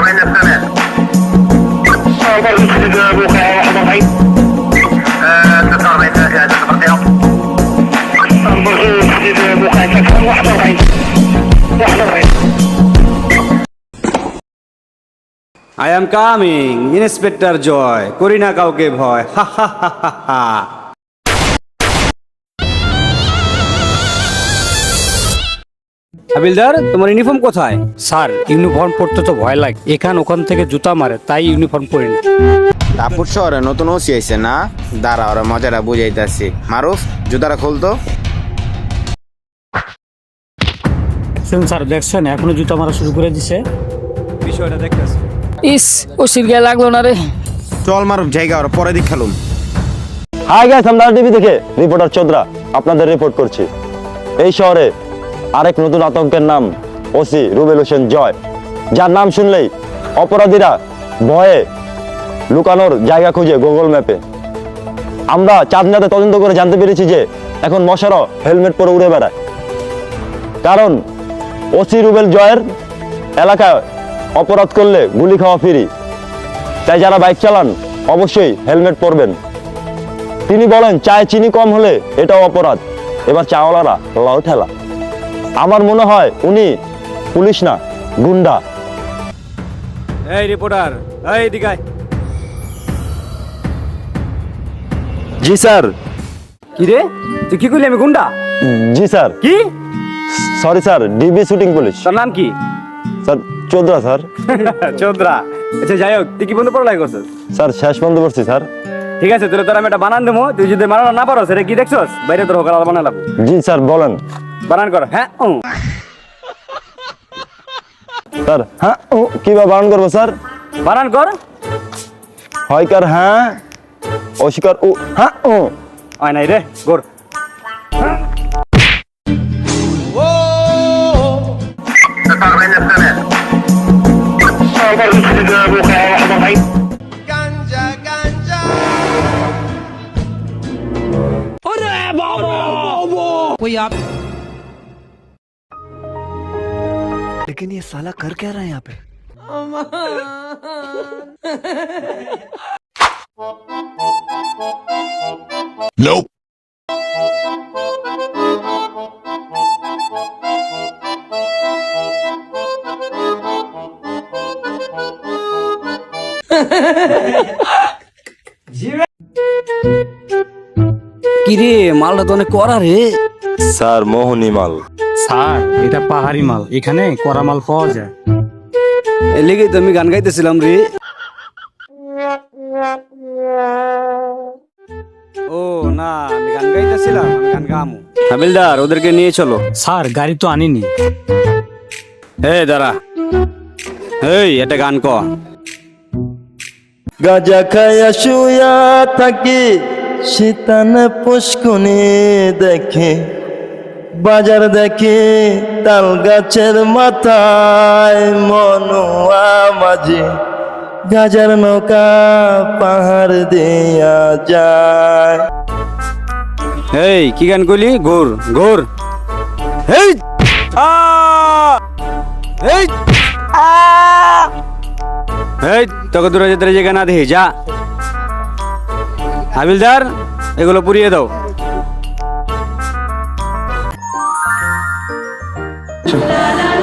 I am coming, Inspector Joy. করি না কাউকে ভয়। হা হা হা হা হা। হাবিলদার, তোমার ইউনিফর্ম কোথায়? স্যার ইউনিফর্ম পরতে তো ভয় লাগে, এখান ওখান থেকে জুতা মারে, তাই ইউনিফর্ম পরি না। তারপর শহরে নতুন ওসি আইছে না, দাঁড়া ওরা মজাটা বুঝাইতেছি। মারুফ জুতাটা খুলতো। স্যার দেখছেন এখনো জুতা মারা শুরু করে দিছে। বিষয়টা দেখতেছি। ইস ওসির গায়ে লাগলো না রে। চল মারুফ জায়গা ওরা পরে দিক খেলুম। হাই গাইস, আমরা টিভি থেকে রিপোর্টার চোদ্রা আপনাদের রিপোর্ট করছি। এই শহরে আরেক নতুন আতঙ্কের নাম ওসি রুবেল হোসেন জয়, যার নাম শুনলেই অপরাধীরা ভয়ে লুকানোর জায়গা খুঁজে গুগল ম্যাপে। আমরা চাঁদনাতে তদন্ত করে জানতে পেরেছি যে এখন মশারও হেলমেট পরে উড়ে বেড়ায়, কারণ ওসি রুবেল জয়ের এলাকায় অপরাধ করলে গুলি খাওয়া ফ্রি। তাই যারা বাইক চালান অবশ্যই হেলমেট পরবেন। তিনি বলেন চায়ে চিনি কম হলে এটাও অপরাধ। এবার চাওয়ালারা লাউ ঠেলা। আমার মনে হয় উনি পুলিশ না, গুন্ডা। এই রিপোর্টার, এই দিগাই। জি স্যার। কি রে, তুই কি করলি? আমি গুন্ডা? জি স্যার। কি? Sorry sir, DB shooting police. তোর নাম কি? Sir Chodra sir. চোদ্রা। আচ্ছা যাই হোক, তুই কি বন্ধু পড়ালাই করছিস? স্যার শেষ বন্ধ করছি স্যার। ঠিক আছে, তোর আমি একটা বানান দেবো, তুই যদি বানানো না পারো সেটা কি দেখছস? বাইরে তোর হোকাল বানালাম। জি স্যার বলেন। বানান কর। হ্যাঁ স্যার হ্যাঁ ও কিভাবে বারণ করবো স্যার? বানান কর। হয়কার হ্যাঁ, অস্বীকার ও হ্যাঁ ও। হয় নাই রে, গোর। लेकिन ये साला कर क्या रहा है यहाँ पे? Nope. কিরে, মালটা তো অনেক কড়া রে। স্যার মোহনী মাল। স্যার এটা পাহাড়ি মাল, এখানে কড়া মাল পাওয়া যায়। এর লেগেই তো আমি গান গাইতেছিলাম রে। ও না, আমি গান গাইতেছিলাম, আমি গান গামু। হাবিলদার, ওদেরকে নিয়ে চলো। স্যার গাড়ি তো আনিনি। এই দাঁড়া, এই একটা গান ক। গাজা খায়া শুয়া থাকি, শীতান পুষ্কুনি দেখে, বাজার দেখে তাল গাছের মাথায়, মনুয়া মাঝে গাজার নৌকা পাহাড় দিয়া যায়। এই কি গান কইলি? ঘোর ঘোর। এই আ এই আ এই তোকে দূরে যেতে জায়গা না দেখি যা। হাবিলদার, এগুলো পুড়িয়ে দাও। La la